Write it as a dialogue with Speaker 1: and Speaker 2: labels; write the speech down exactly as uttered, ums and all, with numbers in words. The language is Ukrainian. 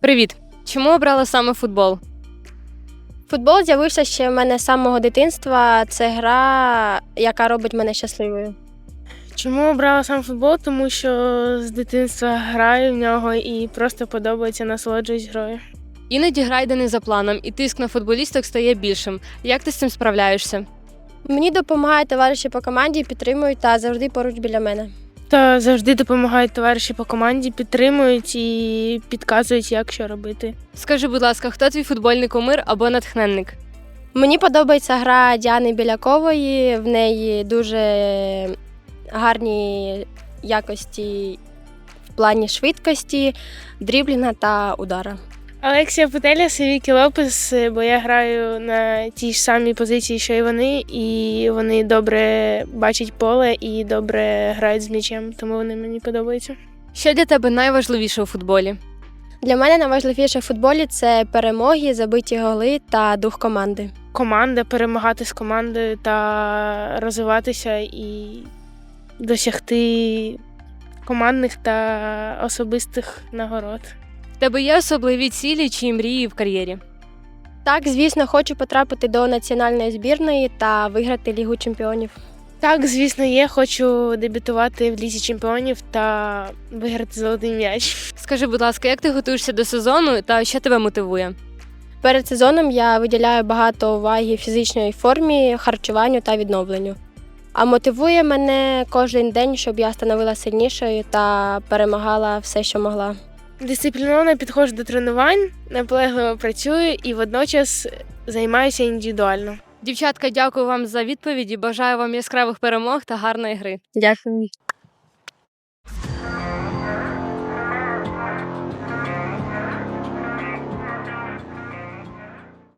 Speaker 1: Привіт! Чому обрала саме футбол?
Speaker 2: Футбол з'явився ще в мене з самого дитинства. Це гра, яка робить мене щасливою.
Speaker 3: Чому обрала сам футбол? Тому що з дитинства граю в нього і просто подобається, насолоджуюсь грою.
Speaker 1: Іноді гра йде не за планом, і тиск на футболісток стає більшим. Як ти з цим справляєшся?
Speaker 2: Мені допомагають товариші по команді, підтримують та завжди поруч біля мене.
Speaker 3: Та завжди допомагають товариші по команді, підтримують і підказують, як що робити.
Speaker 1: Скажи, будь ласка, хто твій футбольний кумир або натхненник?
Speaker 2: Мені подобається гра Діани Білякової, в неї дуже гарні якості в плані швидкості, дріблінга та удара.
Speaker 3: Алексія Путеляс і Вікі Лопес, бо я граю на тій ж самій позиції, що й вони, і вони добре бачать поле і добре грають з м'ячем, тому вони мені подобаються.
Speaker 1: Що для тебе найважливіше у футболі?
Speaker 2: Для мене найважливіше в футболі – це перемоги, забиті голи та дух команди.
Speaker 3: Команда, перемагати з командою та розвиватися і досягти командних та особистих нагород.
Speaker 1: В тебе є особливі цілі чи мрії в кар'єрі?
Speaker 2: Так, звісно, хочу потрапити до національної збірної та виграти Лігу чемпіонів.
Speaker 3: Так, звісно, є. Хочу дебютувати в Лізі чемпіонів та виграти золотий м'яч.
Speaker 1: Скажи, будь ласка, як ти готуєшся до сезону та що тебе мотивує?
Speaker 2: Перед сезоном я виділяю багато уваги фізичній формі, харчуванню та відновленню. А мотивує мене кожен день, щоб я становилася сильнішою та перемагала все, що могла.
Speaker 3: Дисципліновано підходжу до тренувань, наполегливо працюю і водночас займаюся індивідуально.
Speaker 1: Дівчатка, дякую вам за відповіді. Бажаю вам яскравих перемог та гарної гри.
Speaker 2: Дякую.